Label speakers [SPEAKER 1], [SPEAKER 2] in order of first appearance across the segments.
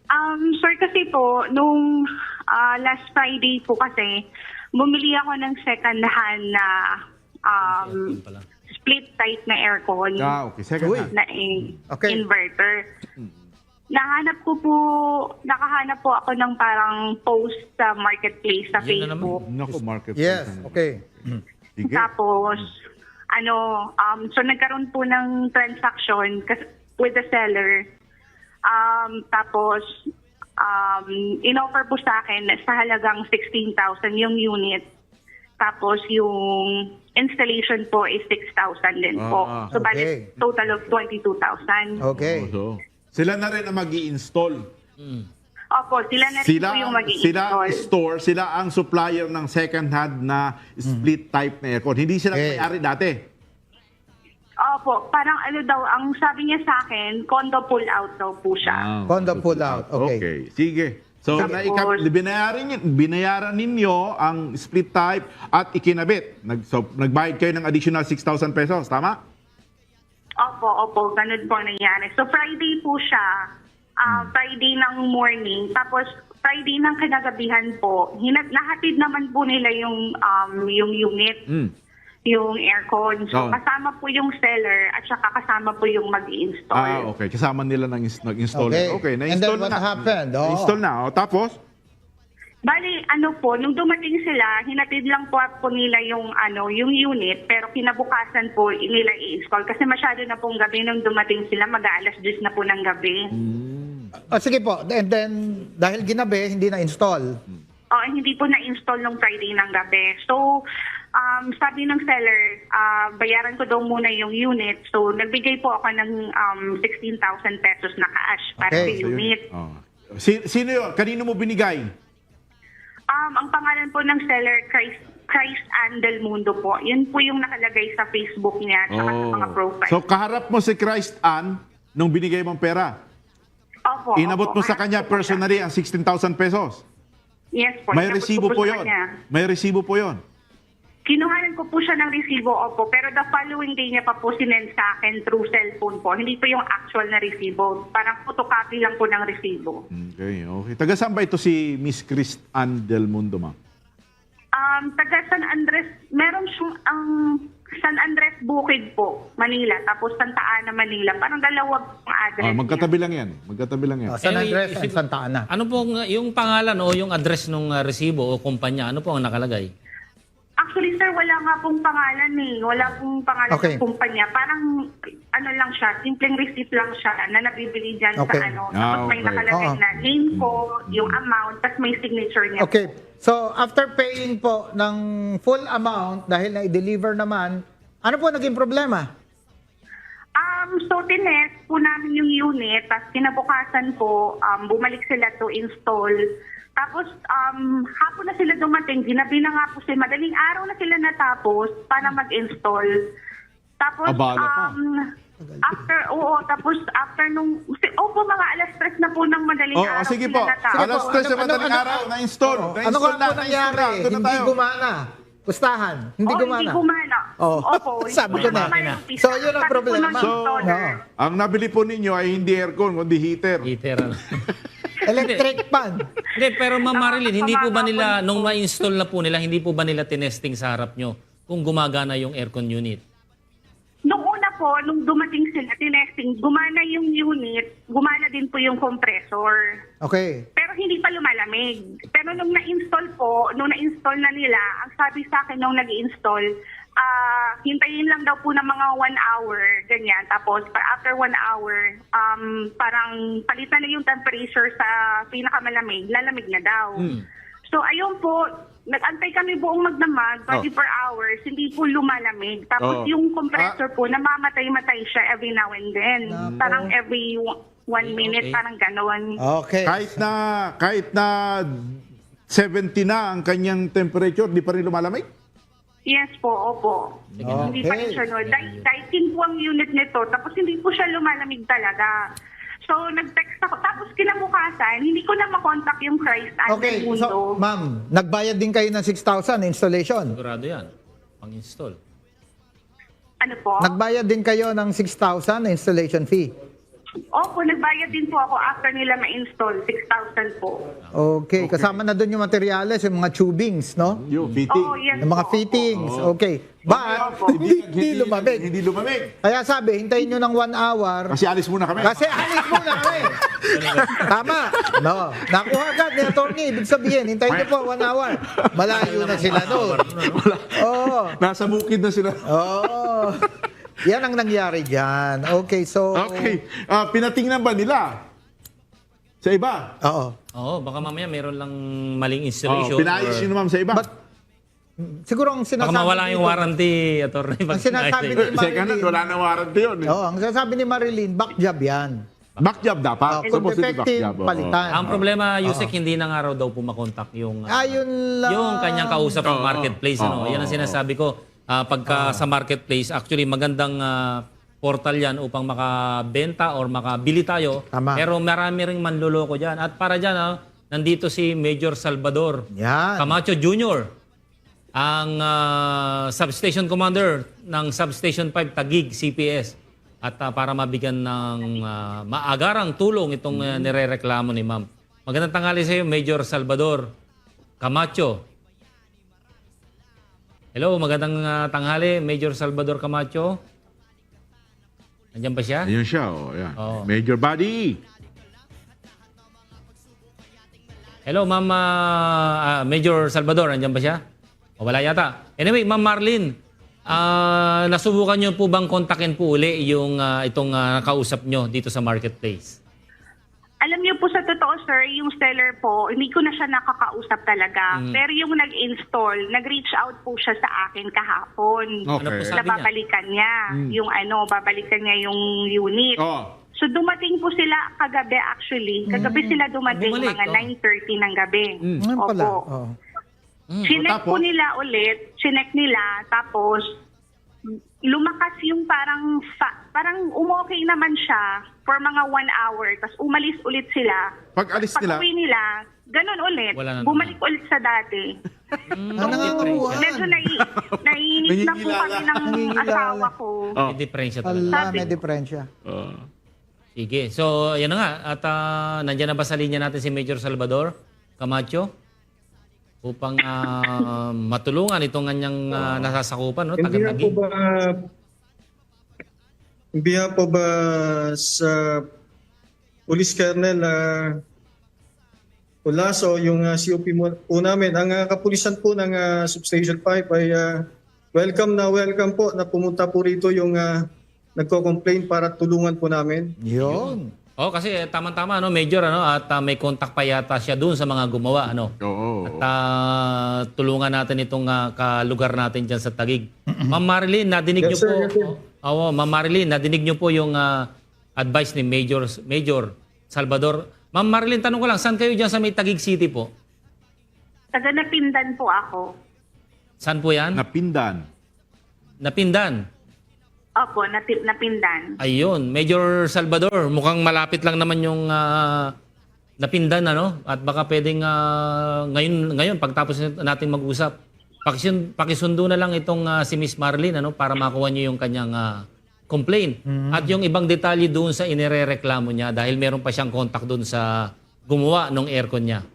[SPEAKER 1] Sir, kasi po, nung last Friday po kasi, bumili ako ng second hand na
[SPEAKER 2] Aircon pala.
[SPEAKER 1] split type na aircon
[SPEAKER 3] Okay. Second
[SPEAKER 4] Uy.
[SPEAKER 3] hand.
[SPEAKER 1] na
[SPEAKER 4] Okay.
[SPEAKER 1] inverter. Nakahanap po ako ng parang post sa marketplace sa
[SPEAKER 2] Yun na naman.
[SPEAKER 1] Facebook.
[SPEAKER 3] Naku, market.
[SPEAKER 4] Yes, okay.
[SPEAKER 3] Sige.
[SPEAKER 1] Tapos, so nagkaroon po ng transaction with the seller. Tapos, in-offer po sa akin sa halagang 16,000 yung unit. Tapos, yung installation po is 6,000 din po. So,
[SPEAKER 4] Okay.
[SPEAKER 1] bali, total of 22,000.
[SPEAKER 4] Okay.
[SPEAKER 3] So, sila na rin ang mag-i-install.
[SPEAKER 1] Opo, sila na rin po yung mag-i-install.
[SPEAKER 3] Sila ang supplier ng second hand na split type na aircon. Hindi sila
[SPEAKER 4] Okay.
[SPEAKER 3] may-ari dati.
[SPEAKER 1] Opo, parang ang sabi niya sa akin, condo pull out daw po siya.
[SPEAKER 4] Condo pull out. Okay.
[SPEAKER 3] Sige. So,
[SPEAKER 1] Tapos-
[SPEAKER 3] binayaran ninyo ang split type at ikinabit. Nagbayad kayo ng additional 6,000 pesos. Tama?
[SPEAKER 1] Opo, ganun po ang nangyari. So Friday po siya, Friday ng morning, tapos Friday ng kinagabihan po, nahatid naman po nila yung unit, yung aircon. So
[SPEAKER 3] Oh.
[SPEAKER 1] kasama po yung seller at saka kasama po yung mag-i-install.
[SPEAKER 3] Okay. Kasama nila nag-installer. Okay.
[SPEAKER 4] And then
[SPEAKER 3] Na-install
[SPEAKER 4] what
[SPEAKER 3] na.
[SPEAKER 4] happened? Oo.
[SPEAKER 3] Na-install na. Tapos?
[SPEAKER 1] Bali, nung dumating sila, hinatid lang po nila yung unit, pero kinabukasan po nila i-install kasi masyado na pong gabi nung dumating sila, mag-aalas 10 na po ng gabi.
[SPEAKER 4] Sige po. And then, dahil ginabi, hindi na-install.
[SPEAKER 1] Hindi po na-install nung Friday ng gabi. So, sabi ng seller, bayaran ko daw muna yung unit. So, nagbigay po ako ng 16,000 pesos na cash para sa
[SPEAKER 4] Okay.
[SPEAKER 1] unit.
[SPEAKER 3] Sino yun? Kanino mo binigay?
[SPEAKER 1] Ang pangalan po ng seller, Christ Ann Del Mundo po. Yun po yung nakalagay sa Facebook niya at saka sa mga profile.
[SPEAKER 3] So, kaharap mo si Christ Ann nung binigay mong pera.
[SPEAKER 1] Opo,
[SPEAKER 3] Inabot mo sa
[SPEAKER 1] Kaharap
[SPEAKER 3] kanya
[SPEAKER 1] ko po siya.
[SPEAKER 3] personally ang 16,000 pesos.
[SPEAKER 1] Yes po.
[SPEAKER 3] May
[SPEAKER 1] inabot ko
[SPEAKER 3] resibo po
[SPEAKER 1] sa
[SPEAKER 3] yun.
[SPEAKER 1] kanya.
[SPEAKER 3] May resibo po yun.
[SPEAKER 1] Kinuhanan ko po siya ng resibo, opo. Pero the following day niya pa po sinend sa akin through cellphone po. Hindi po yung actual na resibo. Parang photocopy lang po ng resibo.
[SPEAKER 3] Okay. Taga saan ba ito si Miss Christ Ann Del Mundo, ma'am?
[SPEAKER 1] Taga San Andres, meron siyang San Andres Bukid po, Manila. Tapos Santa Ana, Manila. Parang dalawang address
[SPEAKER 3] Magkatabi lang yan. Magkatabi lang yan.
[SPEAKER 4] San
[SPEAKER 2] Anyway,
[SPEAKER 4] Andres and Santa Ana.
[SPEAKER 2] Ano pong yung pangalan o yung address ng resibo o kumpanya? Ano po ang nakalagay?
[SPEAKER 1] Actually, sir, wala nga pong pangalan eh. Wala pong pangalan
[SPEAKER 4] Okay.
[SPEAKER 1] ng kumpanya. Parang, lang siya, simpleng receipt lang siya na nabibili dyan
[SPEAKER 4] Okay.
[SPEAKER 1] sa Tapos may
[SPEAKER 3] okay.
[SPEAKER 1] nakalagay
[SPEAKER 4] Oo.
[SPEAKER 1] na name ko, yung amount, tapos may signature niya.
[SPEAKER 4] Okay. So, after paying po ng full amount, dahil na-deliver naman, ano po naging problema?
[SPEAKER 1] So, tinest po namin yung unit, tapos kinabukasan po, bumalik sila to install. Tapos, hapon na sila dumating, ginabi na nga po sila, madaling araw na sila natapos para mag-install. Tapos,
[SPEAKER 3] Abala pa.
[SPEAKER 1] tapos after nung, mga alas 3 na po ng madaling araw
[SPEAKER 3] Sige
[SPEAKER 1] sila
[SPEAKER 3] po.
[SPEAKER 1] natapos.
[SPEAKER 3] Alas 3 sa madaling araw, na-install.
[SPEAKER 4] Ano nga po nangyari?
[SPEAKER 3] Doon na
[SPEAKER 4] Hindi
[SPEAKER 3] tayo.
[SPEAKER 4] gumana. Pustahan. Hindi gumana.
[SPEAKER 1] Hindi gumana.
[SPEAKER 4] Oh.
[SPEAKER 1] Opo.
[SPEAKER 4] Sabi ko na.
[SPEAKER 1] gumana yung pista.
[SPEAKER 4] So, yun ang
[SPEAKER 1] Sabi po
[SPEAKER 4] problema.
[SPEAKER 1] ng
[SPEAKER 3] So,
[SPEAKER 1] installer.
[SPEAKER 3] ang nabili po ninyo ay hindi aircon, kundi heater.
[SPEAKER 2] Heater.
[SPEAKER 4] Electric pan.
[SPEAKER 2] Hindi, pero Ma'am Marilyn, hindi po ba
[SPEAKER 1] Nakakapamama
[SPEAKER 2] nila,
[SPEAKER 1] po.
[SPEAKER 2] nung ma-install na po nila, hindi po ba nila tinesting sa harap nyo kung gumagana yung aircon unit?
[SPEAKER 1] Nung una po, nung dumating sila, tinesting, gumana yung unit, gumana din po yung compressor.
[SPEAKER 4] Okay.
[SPEAKER 1] Pero hindi pa lumalamig. Pero nung na-install na nila, ang sabi sa akin nung nag-install, hintayin lang daw po ng mga 1 hour, ganyan. Tapos, after 1 hour, parang palitan na yung temperature sa pinakamalamig, lalamig na daw. So, ayun po, nag-antay kami buong magdamag, 24 hours, hindi po lumalamig. Tapos yung compressor po, namamatay-matay siya every now and then. Parang every 1 minute,
[SPEAKER 2] Okay.
[SPEAKER 1] parang gano'n.
[SPEAKER 4] Okay.
[SPEAKER 3] Kahit na 70 na ang kanyang temperature, di pa rin lumalamig?
[SPEAKER 1] Yes po, opo. Hindi pa rin siya, no. Dieting po ang unit nito, tapos hindi po siya lumalamig talaga. So, nag-text ako. Tapos kinabukasan, hindi ko na makontak yung Christ Ann
[SPEAKER 4] Okay.
[SPEAKER 1] Del Mundo.
[SPEAKER 4] So, ma'am, nagbayad din kayo ng 6,000 installation.
[SPEAKER 2] Sigurado yan. Pang-install.
[SPEAKER 1] Ano po?
[SPEAKER 4] Nagbayad din kayo ng 6,000 na installation fee.
[SPEAKER 1] Opo, nagbayad din po ako after nila ma-install, 6,000 po.
[SPEAKER 4] Okay, kasama na doon yung materyales, yung mga tubings, no?
[SPEAKER 3] Yung fitting.
[SPEAKER 1] Oo, yes
[SPEAKER 4] Yung mga
[SPEAKER 1] po.
[SPEAKER 4] fittings. Okay. But, hindi lumamig.
[SPEAKER 3] Hindi lumamig.
[SPEAKER 4] Kaya sabi, hintayin nyo ng 1 hour.
[SPEAKER 3] Kasi alis muna kami.
[SPEAKER 4] Kasi alis muna kami. Tama. No. Nakuha agad ni attorney. Ibig sabihin, hintayin nyo po 1 hour. Malayo na sila doon. Oo.
[SPEAKER 3] Nasa bukid na sila.
[SPEAKER 4] Oo. Yan ang nangyari dyan. Okay, so...
[SPEAKER 3] Okay. Pinatingnan ba nila? Sa iba?
[SPEAKER 4] Oo.
[SPEAKER 2] Oo, baka mamaya meron lang maling
[SPEAKER 3] Oh,
[SPEAKER 2] installation.
[SPEAKER 3] pinayos yun naman sa iba.
[SPEAKER 4] But, siguro ang
[SPEAKER 2] Baka
[SPEAKER 4] sinasabi
[SPEAKER 2] mawala yung
[SPEAKER 4] dito-
[SPEAKER 2] warranty, attorney.
[SPEAKER 4] Ang sinasabi ni
[SPEAKER 3] Second hand, wala nang warranty yun.
[SPEAKER 4] Oo, ang sinasabi ni Marilyn, back job yan.
[SPEAKER 3] Back job dapat.
[SPEAKER 4] Oh, kung
[SPEAKER 3] Supposed to be back
[SPEAKER 4] defective,
[SPEAKER 3] job, oo.
[SPEAKER 4] palitan.
[SPEAKER 2] Ang problema, Yusek, hindi na nga raw daw pumakontak yung
[SPEAKER 4] Ayun lang.
[SPEAKER 2] yung kanyang kausap ng
[SPEAKER 3] Oo.
[SPEAKER 2] marketplace. Ano?
[SPEAKER 3] Oo.
[SPEAKER 2] Yan ang sinasabi ko. Pagka sa marketplace, actually magandang portal yan upang makabenta or makabili tayo.
[SPEAKER 4] Tama.
[SPEAKER 2] Pero marami ring manloloko dyan. At para dyan, nandito si Major Salvador
[SPEAKER 4] Yan.
[SPEAKER 2] Camacho Jr., ang substation commander ng Substation 5 Taguig CPS. At para mabigyan ng maagarang tulong itong nirereklamo ni ma'am. Magandang tanghali sa iyo, Major Salvador Camacho. Hello, magandang tanghali, Major Salvador Camacho. Nandiyan ba siya?
[SPEAKER 3] Ayun siya, oh, yan.
[SPEAKER 2] Oo.
[SPEAKER 3] Major Body.
[SPEAKER 2] Hello, Ma'am Major Salvador. Nandiyan ba siya? O wala yata. Anyway, Ma'am Marlene, nasubukan niyo po bang kontakin po uli yung itong nakausap niyo dito sa marketplace?
[SPEAKER 1] Alam niyo po sa totoo, sir, yung seller po, hindi ko na siya nakakausap talaga. Pero yung nag-install, nag-reach out po siya sa akin kahapon.
[SPEAKER 3] Okay.
[SPEAKER 2] Ano po
[SPEAKER 1] Na
[SPEAKER 2] sabi niya?
[SPEAKER 1] babalikan niya. Yung babalikan niya yung unit.
[SPEAKER 3] Oh.
[SPEAKER 1] So dumating po sila kagabi actually. Kagabi sila dumating
[SPEAKER 2] Bumalik,
[SPEAKER 1] mga 9:30 ng gabi.
[SPEAKER 4] Ngayon pala.
[SPEAKER 1] Opo.
[SPEAKER 4] Oh.
[SPEAKER 1] Chinek
[SPEAKER 3] Tapos?
[SPEAKER 1] po nila ulit, chinek nila, tapos lumakas yung parang umokay naman siya for mga 1 hour, tapos umalis ulit sila.
[SPEAKER 3] Pag alis nila,
[SPEAKER 1] Pag-uwi nila, ganun ulit,
[SPEAKER 2] Wala na
[SPEAKER 1] bumalik ulit sa dati.
[SPEAKER 4] Ang nangangamuhan.
[SPEAKER 1] Medyo naiinis na po kami ng
[SPEAKER 4] Nangingilala.
[SPEAKER 1] asawa ko.
[SPEAKER 3] Oh.
[SPEAKER 2] May diferensya talaga.
[SPEAKER 4] Ala, may diferensya.
[SPEAKER 2] Sige. So, yan na nga. At nandiyan na ba sa linya natin si Major Salvador Camacho? Upang matulungan itong kanyang nasasakupan, no? Taga-Taguig.
[SPEAKER 5] Biya po ba sa Police Colonel Olaso, yung COP po namin, ang kapulisan po ng Substation 5 ay welcome po na pumunta po rito yung nagko-complain para tulungan po namin.
[SPEAKER 4] Yun.
[SPEAKER 2] Oh, kasi tama-tama, no, Major, at may contact pa yata siya doon sa mga gumawa, ano.
[SPEAKER 3] Oo.
[SPEAKER 2] At tulungan natin itong kalugar natin diyan sa Taguig. Ma'am Marilyn, nadinig niyo
[SPEAKER 5] Yes, sir.
[SPEAKER 2] po.
[SPEAKER 5] Yes, sir.
[SPEAKER 2] Oo, Ma'am Marilyn, nadinig niyo po yung advice ni Major Salvador. Ma'am Marilyn, tanong ko lang, saan kayo diyan sa may Taguig City po?
[SPEAKER 1] Taga Napindan po ako.
[SPEAKER 2] Saan po 'yan?
[SPEAKER 3] Napindan.
[SPEAKER 2] Napindan.
[SPEAKER 1] Opo, Napindan.
[SPEAKER 2] Ayun, Major Salvador, mukhang malapit lang naman yung Napindan, ano? At baka pwedeng ngayon pagtapos natin mag-usap, pakisundo na lang itong si Miss Marlene, ano, para makuha niyo yung kanyang complaint. At yung ibang detalye doon sa inirereklamo niya dahil meron pa siyang contact doon sa gumawa ng aircon niya.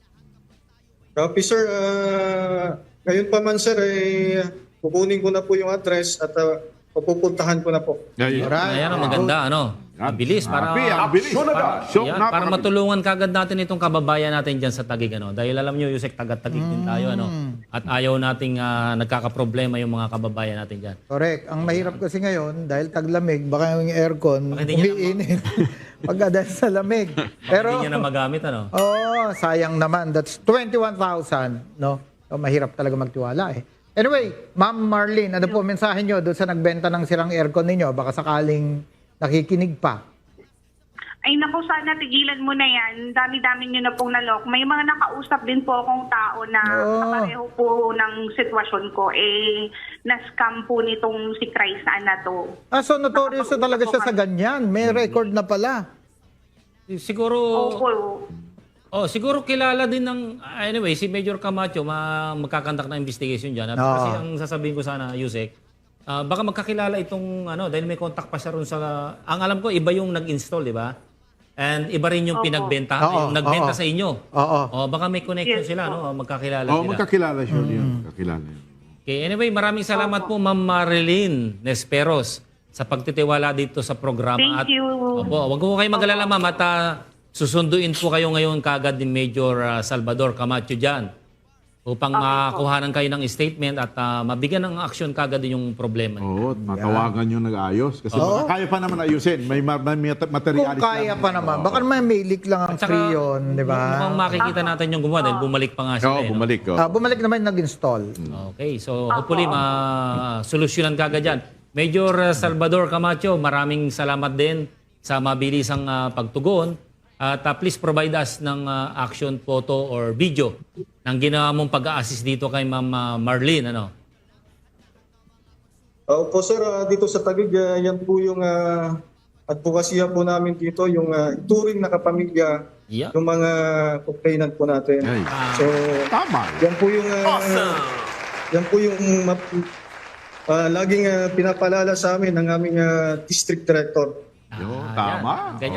[SPEAKER 5] Copy, sir. Ngayon pa man, sir, kukunin ko na po yung address at papupuntahan ko na po.
[SPEAKER 3] Ayun.
[SPEAKER 4] Alright.
[SPEAKER 2] Ayan, maganda, ano? Ang bilis para
[SPEAKER 3] Ang bilis.
[SPEAKER 2] Yan, para matulungan kagad natin itong kababayan natin diyan sa Taguig, ano. Dahil alam niyo, Yusek, taga-Taguig din tayo, ano. At ayaw nating nagkakaproblema yung mga kababayan natin diyan.
[SPEAKER 4] Correct. Ang mahirap kasi ngayon, dahil taglamig, baka yung aircon,
[SPEAKER 2] Baka hindi niya
[SPEAKER 4] umiinit. Pagka dahil sa lamig. Pero,
[SPEAKER 2] Hindi niya na magamit, ano.
[SPEAKER 4] sayang naman. That's 21,000, no? So, mahirap talaga magtiwala eh. Anyway, Ma'am Marlene, ano po mensahe nyo doon sa nagbenta ng sirang aircon ninyo? Baka sakaling nakikinig pa.
[SPEAKER 1] Ay naku, sana tigilan mo na yan. Dami-dami nyo na pong nalok. May mga nakausap din po akong tao na kapareho po ng sitwasyon ko. Na-scam po nitong si Krisa na to.
[SPEAKER 4] So notorious na talaga siya sa ganyan. May record na pala.
[SPEAKER 2] Siguro
[SPEAKER 1] Opo.
[SPEAKER 2] siguro kilala din ng anyway si Major Camacho magkakandak ng investigation diyan. At kasi ang sasabihin ko sana, Yusek, baka magkakilala itong dahil may contact pa siya ron sa ang alam ko iba yung nag-install, di ba? And iba rin yung pinagbenta,
[SPEAKER 4] Oo,
[SPEAKER 2] yung nagbenta
[SPEAKER 4] oo.
[SPEAKER 2] sa inyo.
[SPEAKER 4] Oo.
[SPEAKER 2] Baka may connection
[SPEAKER 1] Yes,
[SPEAKER 2] sila, no? Magkakilala
[SPEAKER 3] Oh,
[SPEAKER 2] sila.
[SPEAKER 3] magkakilala siya yun. Magkakilala yun.
[SPEAKER 2] Okay, anyway, maraming salamat po Ma'am Marilyn Nesperos sa pagtitiwala dito sa programa.
[SPEAKER 1] Thank you.
[SPEAKER 2] Opo, wag po kayo mag-alala ma'am at susunduin po kayo ngayon kagad ni Major Salvador Camacho dyan upang makuhanan kayo ng statement at mabigyan ng action kagad yung problema niyo.
[SPEAKER 3] Oo, matawagan yung nag-ayos. Kasi baka kaya pa naman ayusin. May
[SPEAKER 4] Kung
[SPEAKER 3] materialis
[SPEAKER 4] kaya pa naman. Baka naman may leak lang ang
[SPEAKER 2] At saka,
[SPEAKER 4] free yun, di ba?
[SPEAKER 2] mukhang makikita natin yung gumawa dahil bumalik pa nga siya.
[SPEAKER 3] Oo,
[SPEAKER 2] no?
[SPEAKER 3] bumalik.
[SPEAKER 4] Bumalik naman yung nag-install.
[SPEAKER 2] Okay, so hopefully solusyonan kagad yan. Major Salvador Camacho, maraming salamat din sa mabilisang pagtugon. At please provide us ng action photo or video ng ginawa mong pag-a-assist dito kay Ma'am Marlene.
[SPEAKER 5] Opo sir, dito sa Taguig, yan po yung advokasya po namin dito, yung ituring na kapamilya
[SPEAKER 2] Yeah.
[SPEAKER 5] ng mga complainant po natin.
[SPEAKER 3] Ay.
[SPEAKER 5] So,
[SPEAKER 3] Tama.
[SPEAKER 5] yan po yung laging pinapalala sa amin ng aming district director.
[SPEAKER 3] Yo,
[SPEAKER 2] Yan.
[SPEAKER 3] tama.
[SPEAKER 2] Ganyan.